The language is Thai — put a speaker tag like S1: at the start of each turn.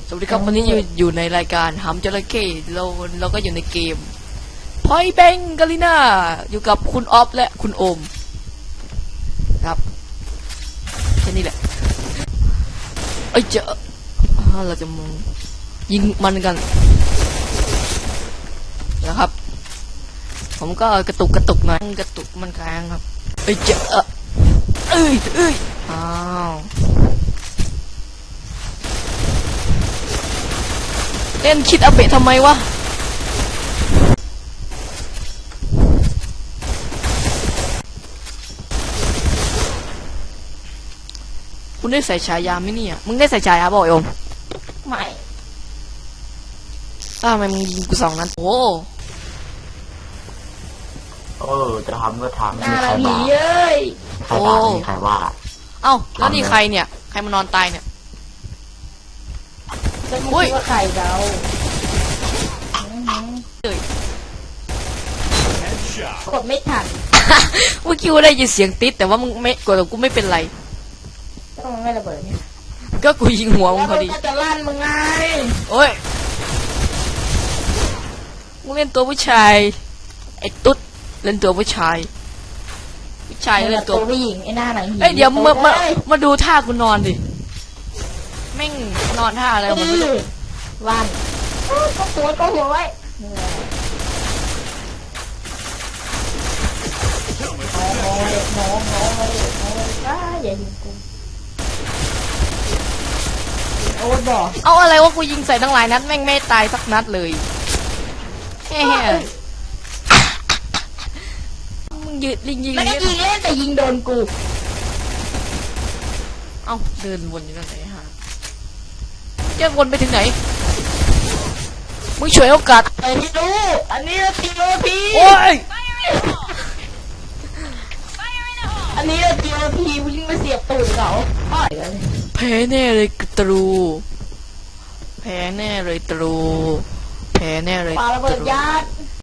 S1: สวัสดีครับวันนี้อยู่ในรายการหำจระเข้เราก็อยู่ในเกมพอยแบงกาลิน่าอยู่กับคุณออฟและคุณโอมครับแค่นี้แหละเราจะยิงมันกันนะครับผมก็กระตุกหน่อยกระตุกมันค้างครับอ้าวเล่นคิดอาเบะทำไมวะคุณได้ใส่ฉายาไหมเนี่ยมึงได้ใส่ฉายาบ่อยอม
S2: ไม่
S1: ทำไมมึงยิงกู2 นัดโอ้
S3: จะทำก็ทำ
S2: น่าละผีเอ้ย
S3: ใครว่านี่ใครว่า
S1: เอ้าแล้วนี่ใครเนี่ยใครมานอนตายเนี่ย
S2: จะพูดว่าใครเรากดไม่ทัน
S1: เมื่อกี้กูได้ยินเสียงติดแต่ว่ามึงไม่กดกูไม่เป็นไร
S2: ก็มันไม่ระเบิดเนี่ย
S1: ก็กูยิงหัวมึงพอดี
S2: จะลั่นมึงไง
S1: โอ้ยมึงเล่นตัวผู้ชายไอ้ตุ๊ดเล่นตัวผู้ชายเล่นตัว
S2: ผู้หญิงไอ้หน้าหนัง
S1: เอ้ยเดี๋ยวมาดูท่ากูนอนดิแม่งนอนท่าอะไรมันไม่รู้
S2: วันก็หัวไว้น้องอย่ายิงกูโอ้บอก
S1: เอาอะไรวะกูยิงใส่ตั้งหลายนัดแม่งไม่ตายสักนัดเลยมึงยืดยิง
S2: ไม่ได้ยิงเล่นแต่ยิงโดนกู
S1: เอ้าเดินวนอยู่นั่นไหนฮะจะวนไปถึงไหนมึงช่วยโอกาส
S2: ไม่รู้อันนี้ทีโอพี
S1: โอ้ย
S2: อันนี้ทีโอพีวิ่งมาเสียบตูดเขา
S1: แพ้แน่เลยตรูแพ้แน่เลยตรู
S2: ปาระเบิดยัด